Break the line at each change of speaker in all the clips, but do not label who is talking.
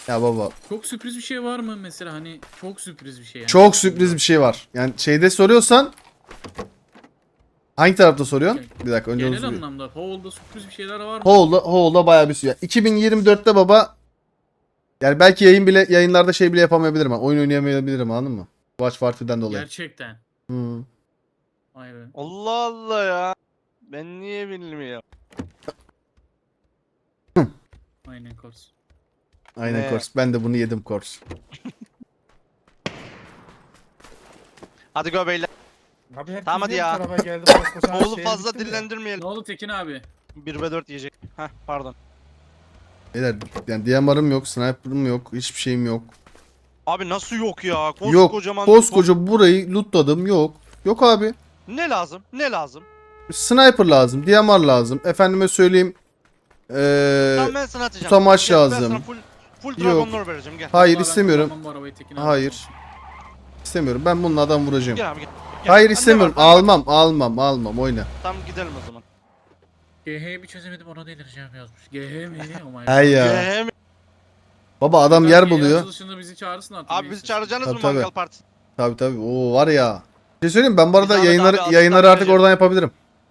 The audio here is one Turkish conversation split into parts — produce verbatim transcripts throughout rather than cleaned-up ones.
Ya baba.
Çok sürpriz bir şey var mı mesela, hani çok sürpriz bir şey yani.
Çok sürpriz bir şey var. Yani şeyde soruyorsan hangi tarafta soruyorsun?
Yani
Bir dakika önce onu
genel
sorayım.
anlamda Powell'da sürpriz bir şeyler var mı?
Hoğul'da, Hoğul'da bayağı bir süre. iki bin yirmi dörtte baba yani belki yayın bile yayınlarda şey bile yapamayabilirim. Ha. Oyun oynayamayabilirim anladın mı? Watch Party'den dolayı.
Gerçekten.
Hmm.
Vay be.
Allah Allah ya. Ben niye bilmiyorum?
Aynen kors.
Aynen
Ne?
Kors. Ben de bunu yedim Kors.
Hadi go beyler.
Abi herkes
Tamam hadi
niye bu
ya.
tarafa geldi? Koskoca her
Oğlu
şehir
fazla
bitti mi?
dillendirmeyelim.
Ne oldu Tekin abi?
bir ve dört yiyecek. Heh pardon.
Beyler yani D M R'ım yok, sniper'ım yok, hiçbir şeyim yok.
Abi nasıl yok ya?
Yok.
Koskocaman.
Koskoca burayı lootladım yok. Yok abi.
Ne lazım? Ne lazım?
Sniper lazım, D M R lazım. Efendime söyleyeyim. Ee,
Tamam ben sana atacağım.
tutamaç
Gel, Ben
lazım.
sana full, full
Yok.
Dragon Lore vereceğim gel.
hayır
Vallahi ben
istemiyorum.
kullanmam bu arabayı Tekin abi.
Hayır. İstemiyorum. Ben bununla adam vuracağım.
Gel abi gel. Gel.
Hayır
Ha, ne
istemiyorum.
var? Tamam,
Almam, almam, almam. Oyna.
Tamam gidelim o zaman.
G H'yi bir çözemedim, ona delireceğim yazmış. G H mi? Oh my god.
Hay ya.
Gel.
Baba adam
Ben
yer
yeni
buluyor.
açılışında bizi çağırsın artık.
Abi bizi çağıracaksınız
Tabii,
mı
tabii.
mangal partisi?
Tabii tabii. Oo var ya. Bir şey söyleyeyim mi? Ben bu arada
Bir zahmet
yayınları
abi, azıcık
yayınları
daha
artık
vereceğim.
oradan yapabilirim.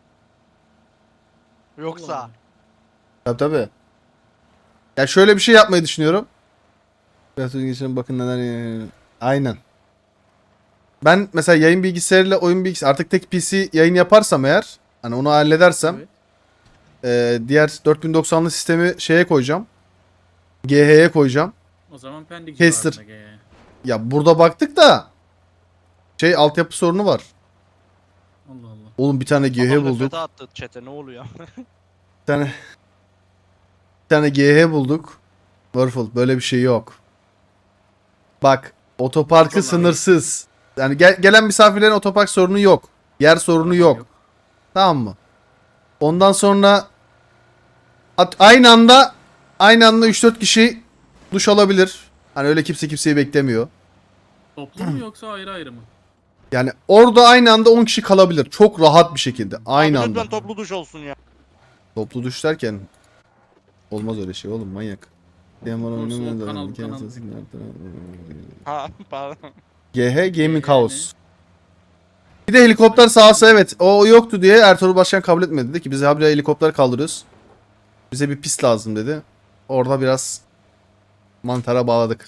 Yoksa.
Tabii tabii. Ya şöyle bir şey yapmayı düşünüyorum. Biraz önce geçelim bakın neler. Aynen. Ben mesela yayın bilgisayarıyla oyun bilgisayarı artık tek P C yayın yaparsam eğer hani onu halledersem
Evet.
e, diğer dört bin doksanlı sistemi şeye koyacağım. G H'ye koyacağım.
O zaman Pendik
Caster.
civarında G H.
Ya burada baktık da şey altyapı sorunu var.
Allah Allah.
Oğlum bir tane G H
Adam
bulduk.
nefrete attı chat'e ne oluyor?
Bir tane bir tane G H bulduk. Warful böyle bir şey yok. Bak otoparkı
Vallahi
sınırsız. Yani gel- gelen misafirlerin otopark sorunu yok. Yer sorunu yok. Tamam mı? Ondan sonra at- aynı anda aynı anda üç dört kişi duş alabilir. Hani öyle kimse kimseyi beklemiyor.
Toplu mu yoksa ayrı ayrı mı?
Yani orada aynı anda on kişi kalabilir. Çok rahat bir şekilde. Aynı
Abi
anda.
lütfen toplu duş olsun ya.
Toplu duş derken olmaz öyle şey oğlum manyak.
Korsu, kanal, kanal.
Ha pardon.
G H Gaming
G H
House. Bir de helikopter sahası evet. O yoktu diye Ertuğrul Başkan kabul etmedi. Dedi ki biz habire helikopter kaldırıyoruz. Bize bir pist lazım dedi. Orada biraz mantara bağladık.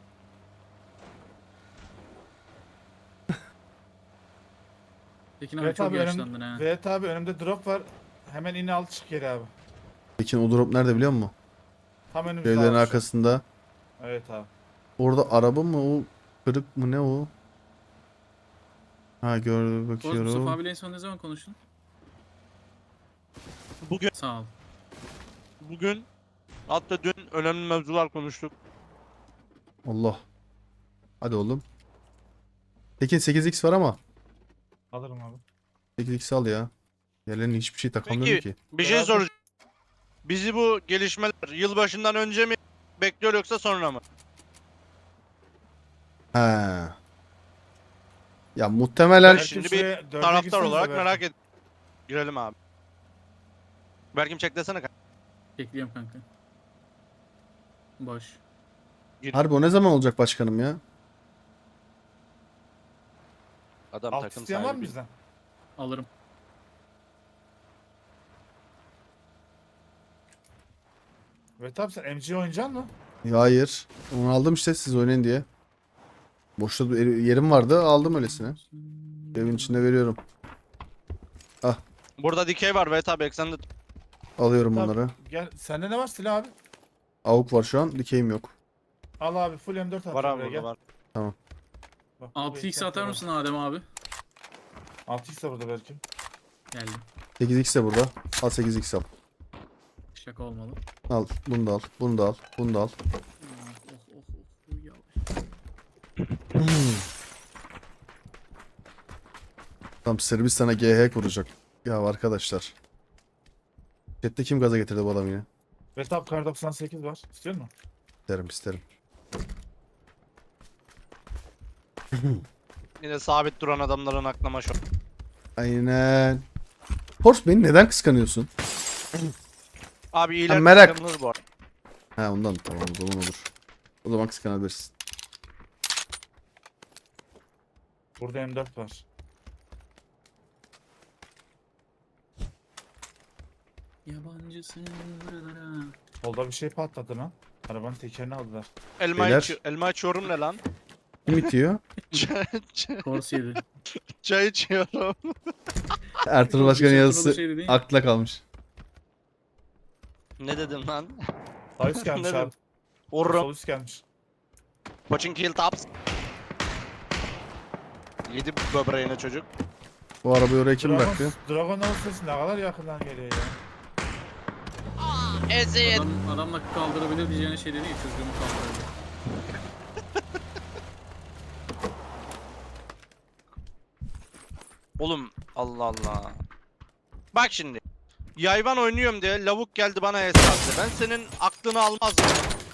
Tekin abi
Evet
çok
abi,
yaşlandın
önüm,
ha.
evet abi önümde drop var. Hemen in al çık geri abi.
Peki o drop nerede biliyor musun?
Tam önümüzde
Evlerin
abi şu an.
arkasında.
Evet abi.
Orada araba mı o? Kırık mı ne o? Ha gördüm
Korsu, Mustafa
bakıyorum.
abiyle en son ne zaman konuştun?
Bugün
Sağ ol.
bugün hatta dün önemli mevzular konuştuk.
Allah. Hadi oğlum. Tekin sekiz x var ama.
Alırım abi.
sekiz x al ya. Yerlerine hiçbir şey takamıyorum
Peki
ki.
bir şey
Biraz da-
soracağım. Bizi bu gelişmeler yılbaşından önce mi bekliyor yoksa sonra mı?
He. Ya muhtemelen
Belki
Şimdi
şuraya
bir
dörde
taraftar
girsenize
olarak
belki.
merak et. Girelim abi. Berkim çek desene kanka.
Bekliyorum kanka. Boş.
harbi o ne zaman olacak başkanım ya?
Adam
Alt
takım
isteyen var mı
sahibi.
bizden?
Alırım.
Evet abi sen M G oynayacaksın mı?
Ya hayır. Onu aldım işte siz oynayın diye. Boşta bir yerim vardı aldım öylesine. Evin içinde veriyorum.
Burada dikey var evet abi eksende.
Alıyorum
Tabii.
onları.
Gel sende ne var silah abi?
Avuk var şu an. Dikeyim yok.
Al abi full M dört at.
Var abi
buraya,
burada
gel.
var.
Bak,
altı x atar mısın Adem abi?
altı x de burada belki.
Geldim.
sekiz x de burada. Al sekiz x al.
Şaka olmalı.
Al. Bunu da al. Bunu da al. Bunu da al.
Oh oh oh oh. Yavaş.
Tam Sırbistan'a G H kuracak. Ya arkadaşlar. Chat'te kim gaza getirdi bu adamı yine?
Evet abi kar doksan sekiz var. İstiyor musun?
İsterim isterim.
Yine sabit duran adamların aklına şu.
Aynen. Horse beni neden kıskanıyorsun?
Abi iyiler
Ha, merak.
kıskanılır bu arada.
Ha ondan tamam o zaman olur. O zaman kıskanabilirsin.
Burada M dört var.
Yabancısın buralara.
Solda bir şey patladı lan. Arabanın tekerini aldılar.
Elma,
Beyler.
içi, elma içiyorum ne lan?
Kim itiyor?
Çay, çay-
Kors yedi.
çay içiyorum.
Ertuğrul Başkan'ın
Bir
yazısı
şey dedi.
akla kalmış.
Ne dedim lan?
Sağ üst gelmiş
Ne
abi.
Vururum.
Sol üst gelmiş.
Watching kill tops. Yedi böbreğine çocuk.
Bu arabayı oraya kim
Dragon,
bıraktı?
Dragon'un sesi ne kadar yakından geliyor ya.
Eziyet.
Adam, adamla kaldırabilir diyeceğine şey dedi ya, çocuğumu kaldırabilir.
Oğlum Allah Allah. Bak şimdi. Yayvan oynuyorum diye lavuk geldi bana hesaptı. Ben senin aklını almazdım.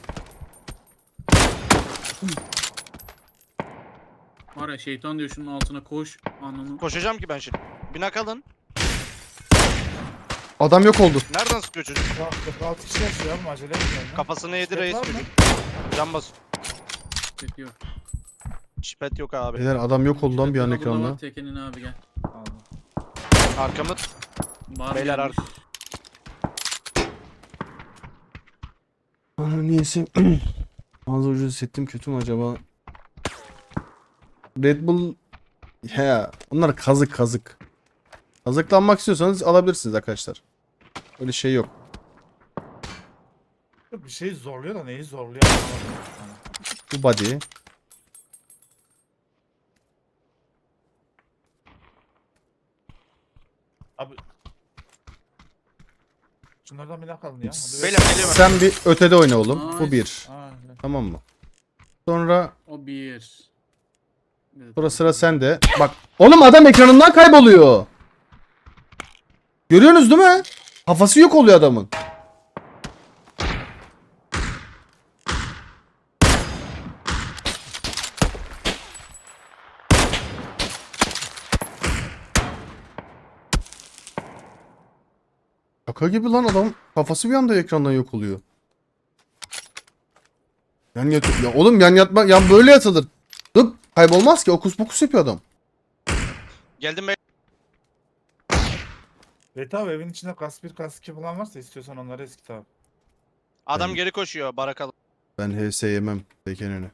Var ya, şeytan diyor şunun altına koş. Anlamı.
Koşacağım ki ben şimdi. Bina kalın.
Adam yok oldu.
Nereden sıkıyor çocuk?
Bak kırk altı kişi yaşıyor abi acele etmeyin lan.
Kafasına yedi
Şipet
reis
var mı?
çocuk. Can bas.
Bekliyor.
Şipet yok abi.
Beyler adam yok oldu lan bir an
Tekrar burada
ekranda.
var, Tekenin abi gel.
Aldım.
Arkamı
Bar
Beyler
gelmiş.
Bana niyeyse ağzı ucu hissettim, kötü mü acaba? Red Bull he, onlar kazık kazık. Kazıklanmak istiyorsanız alabilirsiniz arkadaşlar. Öyle şey yok.
Bir şey zorluyor da neyi zorluyor anlamadım.
Bu body.
Abi. Şunlardan bir nakalın ya. Hadi
Beyler geliyorum.
Sen bir ötede oyna oğlum. Bu
Nice.
bir.
Aa,
Tamam mı? Sonra
O bir. Bir de
sonra sıra sende. Bak. Oğlum adam ekranından kayboluyor. Görüyorsunuz değil mi? Kafası yok oluyor adamın. Şaka gibi lan adam. Kafası bir anda ekrandan yok oluyor. Yan yat ya oğlum yan yatma yan böyle yatılır. Dıp kaybolmaz ki, okus pokus yapıyor adam.
Geldim ben.
Evet abi evin içinde kas bir kas iki falan varsa istiyorsan onları eskit abi.
Adam
Ben-
geri koşuyor barakalı.
Ben H S yemem Bekenene.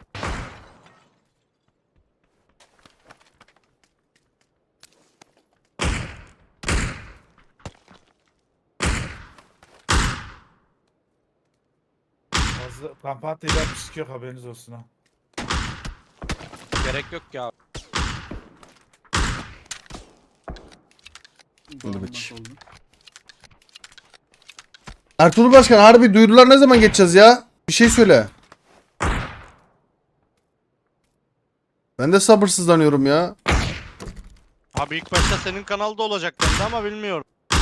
Fazla kampanya ile bir şey yok haberiniz olsun ha.
Gerek yok ya.
bağırmak
Hadi
oldu.
Ertuğrul Başkan harbi duyurular ne zaman geçeceğiz ya? Bir şey söyle. Ben de sabırsızlanıyorum ya.
Abi ilk başta senin kanalda olacak dendi ama bilmiyorum.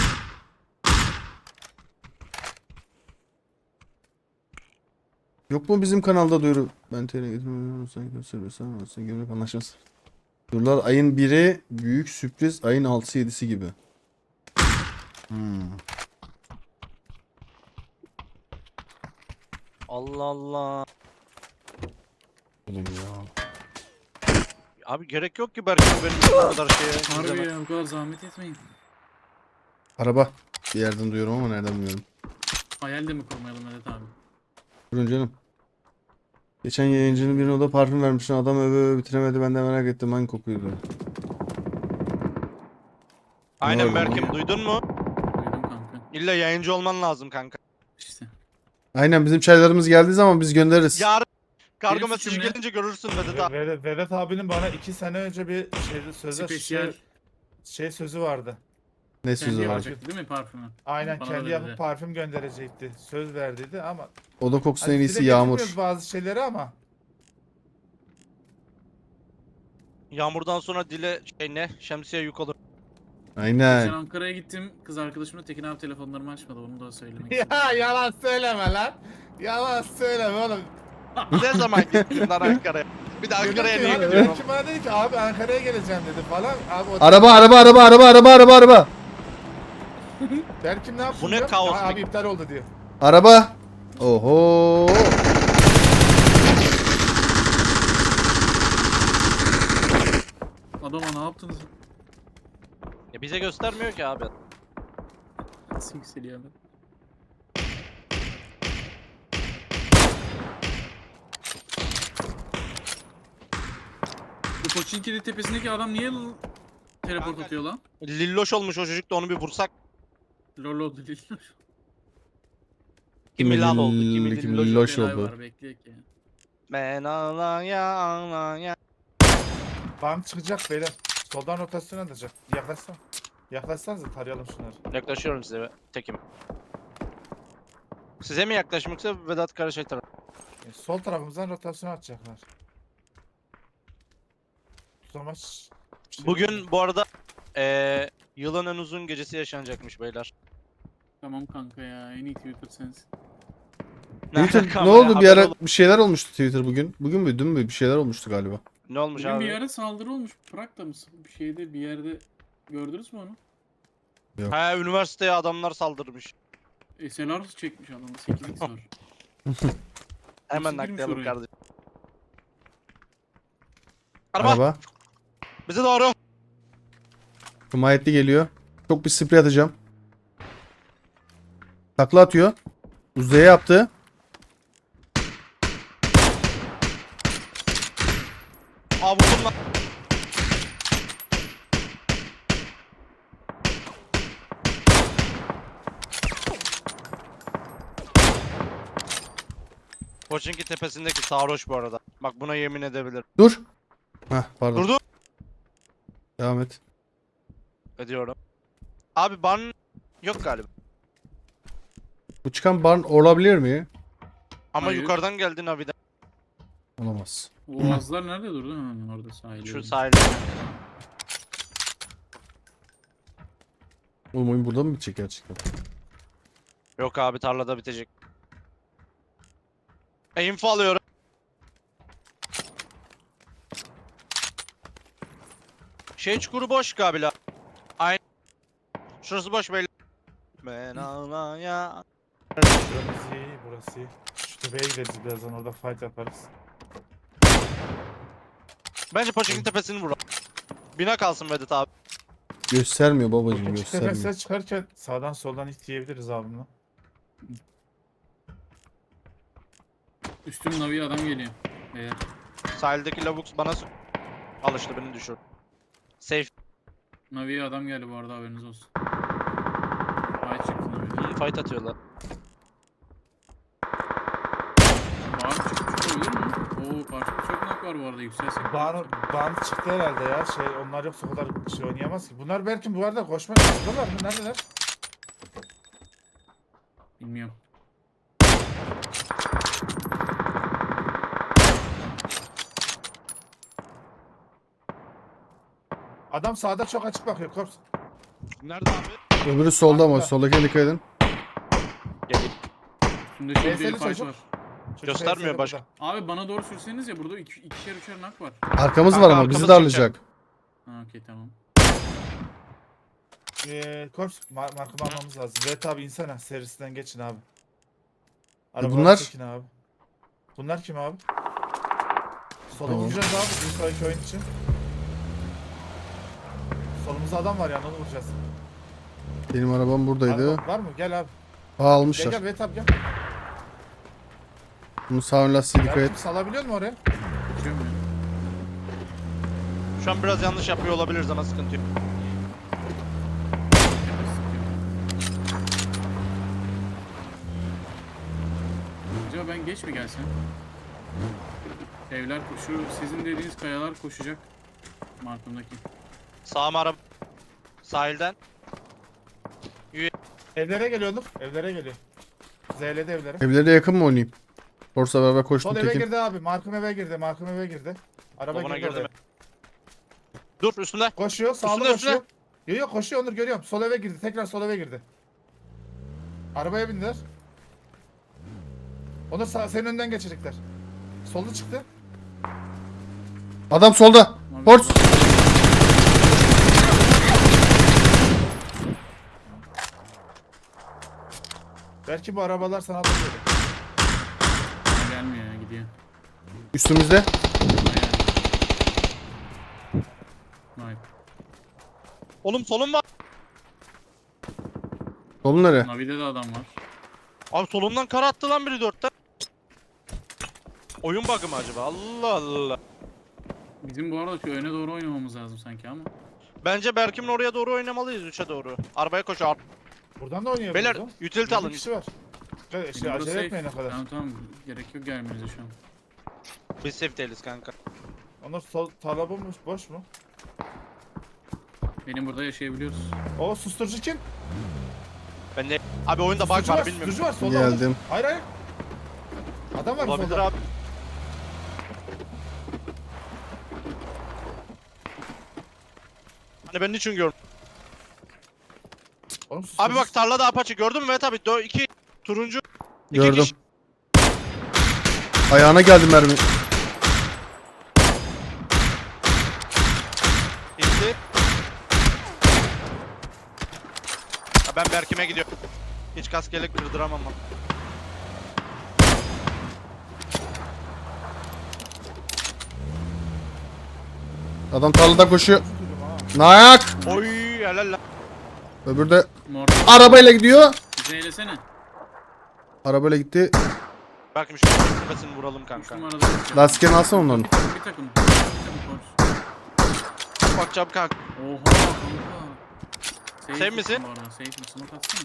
Yok mu bizim kanalda duyuru? Ben T R getirmiyorum. Sen gösteriyorsan sen gömlek anlaşılsın. Duyurular ayın biri, büyük sürpriz ayın altısı yedisi gibi. Hmm.
Allah Allah.
Oğlum ya.
Abi gerek yok ki Berk'in benim bu kadar şeye.
Harbi
izleme.
ya, bu kadar zahmet etmeyin.
Araba. Bir yerden duyuyorum ama nereden bilmiyorum.
Hayal de mi kurmayalım Vedat abi?
Durun canım. Geçen yayıncının birine o da parfüm vermişsin. Adam öve öve bitiremedi. Ben de merak ettim hangi kokuydu.
Aynen
Doğru.
Berk'im duydun mu?
Duydum kanka.
İlla yayıncı olman lazım kanka.
İşte.
Aynen bizim çaylarımız geldiği zaman biz göndeririz.
Yarın kargo
Benim
mesajı
suçum ne?
gelince görürsün Vedat abi.
Vedat, Vedat abinin bana iki sene önce bir şey, sözü,
Spesyal.
şey, şey sözü vardı.
Ne
Kendi
sözü var?
yapacaktı değil mi parfümü?
Aynen
Bana da
kendi
dedi.
yapıp parfüm gönderecekti. Söz verdiydi ama.
O da koksun
Hani
en
dile
iyisi Yağmur.
getirmiyoruz bazı şeyleri ama.
Yağmurdan sonra dile şey ne? Şemsiye yük olur.
Geçen
Aynen.
Ankara'ya gittim. Kız arkadaşımla Tekin abi telefonlarımı açmadı. Onu da söylemek istedim.
Ya yalan söyleme lan. Yalan söyleme oğlum.
Ne zaman gittin lan Ankara'ya? Bir de Ankara'ya
Dedim
niye
ki, hani
gidiyorum?
Belki bana dedi ki abi Ankara'ya geleceğim dedi falan. Abi o
Araba araba araba araba araba araba araba.
Berkim ne yaptı?
Bu ne
diyor.
kaos
Aa,
be-
Abi iptal oldu diyor.
Araba. Oho.
adama ne yaptınız?
Ya bize göstermiyor ki abi.
Nasıl yükseliyor adam? Bu Pochinki'nin tepesindeki adam niye l- teleport
Kanka-
atıyor lan?
Lilloş olmuş o çocuk da onu bir vursak.
Lol oldu değil.
Kimi lal oldu,
Lill-
kimi
kimi
lilloş
lilloş
Olay
oldu.
var bekleyek ya.
Ben ağlaya ağlaya.
Bank çıkacak beyler. Soldan rotasyon atacak. Yaklaşsana. Yaklaşsanıza tarayalım şunları.
Yaklaşıyorum size tekim. Size mi yaklaşım yoksa Vedat Karaşay tarafı?
E, sol tarafımızdan rotasyon atacaklar. Tutamaç. bir şey yok.
Bugün bu arada eee yılın en uzun gecesi yaşanacakmış beyler.
Tamam kanka ya en iyi Twitter sensin.
Twitter
alaka
ne
ama ya,
oldu bir
haber
ara
olur.
bir şeyler olmuştu Twitter bugün. Bugün mü dün mü bir şeyler olmuştu galiba.
Ne olmuş
Bugün
abi?
bir yere saldırı olmuş. Prag'da mısın? Bir şeyde bir yerde gördünüz mü onu?
He üniversiteye adamlar saldırmış.
S L R çekmiş adam. sekiz x var.
Hemen
girmiş
naklayalım
oraya?
kardeşim. Araba,
Araba.
bize doğru.
Himayetli geliyor. Çok bir sprey atacağım. Takla atıyor. Uzaya yaptı.
Aa vurdum lan. Koçinki tepesindeki sarhoş bu arada. Bak buna yemin edebilirim.
Dur. Heh pardon.
Durdu.
Devam et.
Ediyorum. Abi ban yok galiba.
Bu çıkan barn olabilir mi?
Ama
Hayır.
yukarıdan geldi Navi'den.
Olamaz.
O Oğazlar nerede durdu? Ha, orada sahilde.
Şu sahilde.
Oğlum oyun burada mı bitecek gerçekten?
Yok abi tarlada bitecek. E, info alıyorum. Şey çukuru boş galiba. Aynen. Şurası boş böyle. Ben ağlaya.
Burası iyi, burası iyi. Şu tepeye gideceğiz birazdan, orada fight yaparız.
Bence Poçinki tepesini vur. Bina kalsın Vedat abi.
Göstermiyor babacığım
Küçük
göstermiyor.
tepesine çıkarken sağdan soldan itleyebiliriz abimle.
Üstüm Navi adam geliyor. Beyler.
Sahildeki lavuk bana s- alıştı beni düşür. Safe.
Navi'ye adam geldi bu arada haberiniz olsun. Ay çıktı Navi.
Hmm, fight atıyorlar.
Bağır çıkmış olabilir mi? Oo karşıda çok nak var bu arada yükselsek.
Ban, ban çıktı herhalde ya. Şey, onlar yoksa o kadar şey oynayamaz ki. Bunlar belki bu arada koşma yaptılar mı? Neredeler?
Bilmiyorum.
Adam sağda çok açık bakıyor Korps.
Nerede abi?
Öbürü solda ama
Arkada.
soldakine dikkat edin.
Gelin.
Üstümde çok
Neyse,
bir fight
çocuk.
var.
Çocuk
Göstermiyor
H S'de
başka.
burada.
Abi bana doğru sürseniz ya burada iki, ikişer üçer nak var.
Arkamız
Kanka,
var ama bizi
arkamız
darlayacak.
Ha okey tamam.
Ee, Korps mar markamı almamız lazım. Evet abi insana serisinden geçin abi.
E
Arabaları
bunlar?
çekin abi. Bunlar kim abi? Sola
Tamam.
vuracağız abi bir sonraki oyun için. Solumuzda adam var yani, onu vuracağız.
Benim arabam buradaydı.
Araba var mı? Gel abi.
Aa
Gel
almışlar.
gel Evet abi gel.
Bunun sağ ön lastiği dikkat
Belki
et.
salabiliyor mu oraya?
Geçiyor mu?
Şu an biraz yanlış yapıyor olabiliriz ama sıkıntı yok.
Acaba ben geç mi gelsem? Evler şu sizin dediğiniz kayalar koşacak. Markımdaki.
Sağ mı araba? Sahilden.
Evlere geliyorduk. Evlere geliyor. Z'ledi evlere.
Evlere yakın mı oynayayım? Forsa beraber koştum
Sol eve
tekin.
girdi abi. Markım eve girdi. Markım eve girdi. Araba
Babana
girdi
girdi
oraya.
mi? Dur üstünde.
Koşuyor. Sağlı
Üstüne,
koşuyor.
üstüne.
Yok yok koşuyor Onur, görüyorum. Sol eve girdi. Tekrar sol eve girdi. Arabaya bindiler. Onur sağ, senin önden geçecekler. Solda çıktı.
Adam solda.
Abi,
Horse.
Belki bu arabalar sana da geliyor.
bana gelmiyor ya gidiyor.
Üstümüzde.
Aynen. Vay.
Oğlum solum var.
Solun nereye?
Navi'de de adam var.
Abi solumdan kara attı lan biri dörtten. Oyun bug'ı mı acaba? Allah Allah.
Bizim bu arada şu öne doğru oynamamız lazım sanki ama.
Bence Berkim'in oraya doğru oynamalıyız üçe doğru. Arabaya koş ar-
Buradan da oynayabiliriz.
Beyler
lan.
utility
Bir
alın.
kişi var. Şey,
Bizim
şey,
burası
acele
safe.
etmeyin o kadar.
Tamam tamam. Gerek yok gelmenize şu an.
Biz safe değiliz kanka.
Onlar sol tarla bomboş, boş mu?
Benim burada yaşayabiliyoruz.
O susturucu kim?
Ben de abi oyunda bug
Susturucu
var
var,
bilmiyorum.
susturucu var. Solda
Geldim.
olur. Hayır hayır. Adam var
Olabilir
solda.
abi. Hani ben niçin gördüm?
Oğlum, susturucu-
Abi bak tarlada apaçı gördün mü? Evet abi. Dö iki turuncu. İki
Gördüm.
kişi.
Ayağına geldi mermi.
İndi. Ha, ben Berkim'e gidiyorum. Hiç kaskelek kırdıramam ama.
Adam tarlada koşuyor.
Susturucum ha.
Nayak.
Oy helal lan.
Öbürü de
Mor.
arabayla gidiyor.
Bize eylesene.
Arabayla gitti.
Berkim şu tepesini vuralım
Üç
kanka.
numarada.
Lastiklerini alsana onların.
Bir takım. Bir takım. Bir takım koş.
Bakacağım kanka.
Oha kanka. Safe
Safe misin?
Bu arada. Safe misin? Smoke atsana.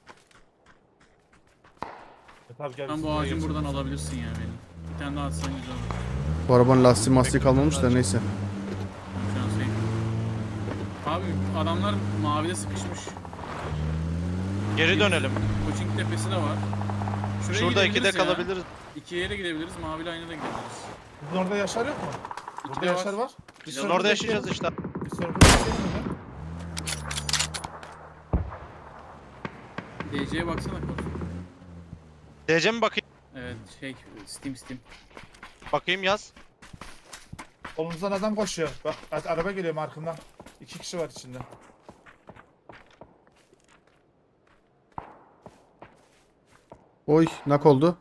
E, tabii gel.
Sen bu ağacın buradan alabilirsin ya benim. Bir tane daha atsan güzel olur.
Bu arabanın lastiği mastiği kalmamış da neyse.
Ben şu an safe. Abi adamlar mavide sıkışmış.
Geri dönelim.
Coaching tepesi de var. Şuraya
Şurada
gidebiliriz
ikide
ya.
kalabiliriz.
İki yere gidebiliriz. Maviyle aynı da gidebiliriz.
Sizin orada Yaşar yok mu? Burada
de var.
Yaşar var. Biz
Biz
Biz
sonra
orada
burada
yaşayacağız
bekleyelim.
işte.
Biz sonra burada bekleyelim mi?
D C'ye baksana koç.
D C mi bakayım?
Evet şey Steam Steam.
Bakayım yaz.
Omuzdan adam koşuyor. Bak a- araba geliyor markından. İki kişi var içinde.
Oy nak oldu.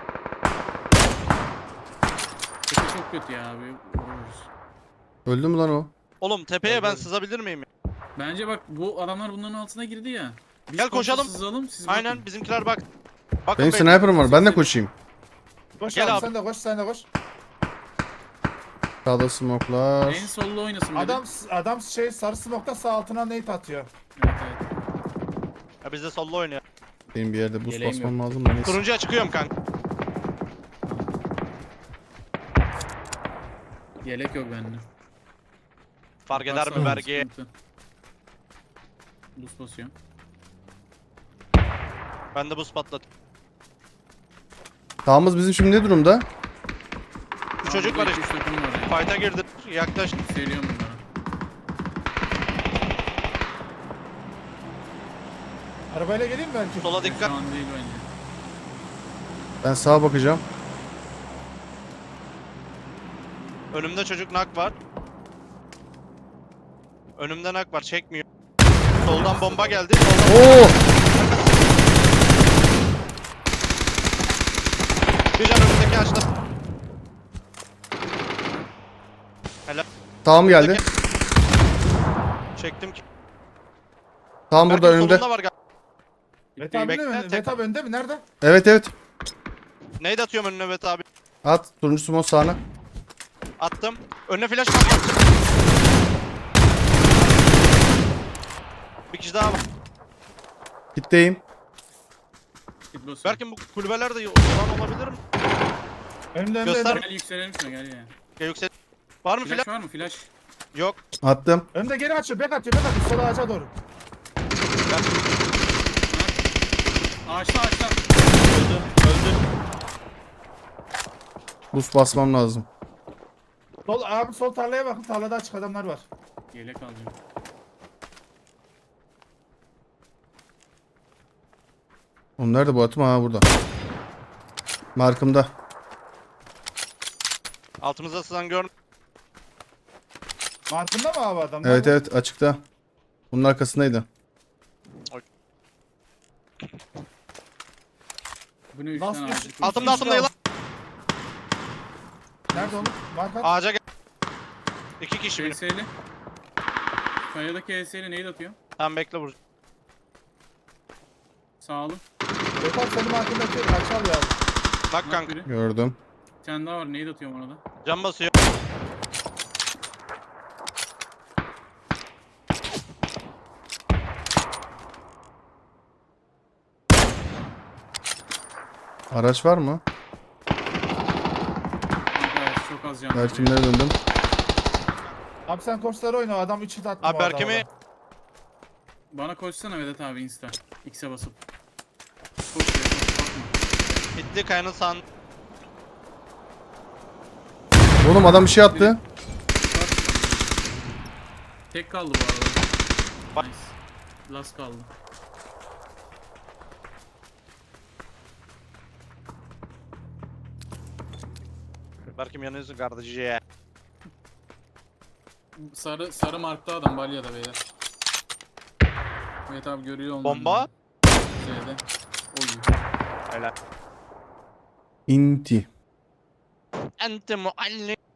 Tepe çok kötü ya abi. Vururuz.
Öldü mü lan o?
Oğlum tepeye ben
Öldü.
sızabilir miyim?
Bence bak bu adamlar bunların altına girdi ya. Biz
Gel
komşu
koşalım.
Sızalım, siz
Aynen
bakın.
bizimkiler bak. Bakın
Benim
beyler.
sniper'ım var. Ben de koşayım.
Koş
Gel
abi,
abi.
sen de koş sen de koş.
Sağda smoke'lar.
En sollu oynasın biri.
Adam adam şey sarı smoke'ta sağ altına nade atıyor.
Evet evet.
Ya biz de sollu oynuyor.
Benim bir yerde buz
Yeleğim
basmam lazım da neyse.
Turuncuya çıkıyorum kanka.
Yelek yok bende.
Fark eder mi
Baksana,
vergi?
sıkıntı. Buz basıyor.
Ben de buz patlat.
Sağımız bizim şimdi ne durumda?
Bu çocuk var işte.
işte. Takım var ya.
Fight'a girdi. Yaklaş.
Seviyorum bunları.
Arabayla geleyim mi belki?
Sola
Şu
dikkat.
an değil bence.
Ben sağa bakacağım.
Önümde çocuk nak var. Önümde nak var. Çekmiyor. Soldan bomba geldi. Soldan
Oo!
bir can önümdeki ağaçta.
Sağım geldi.
Çektim ki.
Sağım burada
Berkin
önümde.
solunda var galiba.
Vet abi
Bekle,
önde mi?
tek-
Vet abi önde mi? Nerede?
Evet evet.
Neydi atıyorum önüne Evet abi.
At. Turuncu smoke sağına.
Attım. Önüne flash attım. Bir kişi daha var.
Gitteyim.
Git basıyor.
Berkin bu kulübelerde olan olabilir mi?
Önümde önümde
Göster.
önümde.
Gel yükselelim şuna gel ya.
Ya yüksel. Var mı
Flash
flash?
var mı flash?
Yok.
Attım.
Önümde geri açıyor. Bek atıyor. Bek atıyor. Sola ağaca doğru.
Ağaçta ağaçta.
Öldü. Öldü.
Buz basmam lazım.
Sol abi sol tarlaya bakın. Tarlada açık adamlar var.
Yelek alacağım.
Oğlum nerede bu atım? Ha burada. Markımda.
Altımızda sızan gör.
Markında mı abi adam?
Evet evet açıkta. Bunun arkasındaydı.
Bu ne üç
Last
tane
üç-
ağacı koymuş.
Altımda altımda yılan.
Nerede oğlum? Marka.
Ağaca gel. İki kişi benim.
P S L'li. Kayadaki E S ile neyi atıyor?
Tamam bekle vur.
Sağ olun.
Gökhan senin hakkındaki kaçal ya.
Bak
Bak
kanka.
biri.
Gördüm.
Bir tane daha var. Neyi atıyorum ona da?
Can basıyor.
Araç var mı?
Arkadaş çok az can.
Belki kimlere döndüm.
Abi sen koçları oyna, adam üçü de attı
Abi
bu arada
Berkem'i-
ona.
Bana koşsana Vedat abi insta. X'e basıp. Koş ya, koş, bakma.
Bitti kayanın sağın.
Oğlum adam bir şey attı.
Tek kaldı bu arada.
Bak.
Nice. Last kaldı.
Berkim yanıyorsun kardeşi.
Sarı sarı markta adam Balya'da beyler. Evet abi görüyor onları.
Bomba.
Z'de. Oy.
Helal.
İnti.
Ente muallim.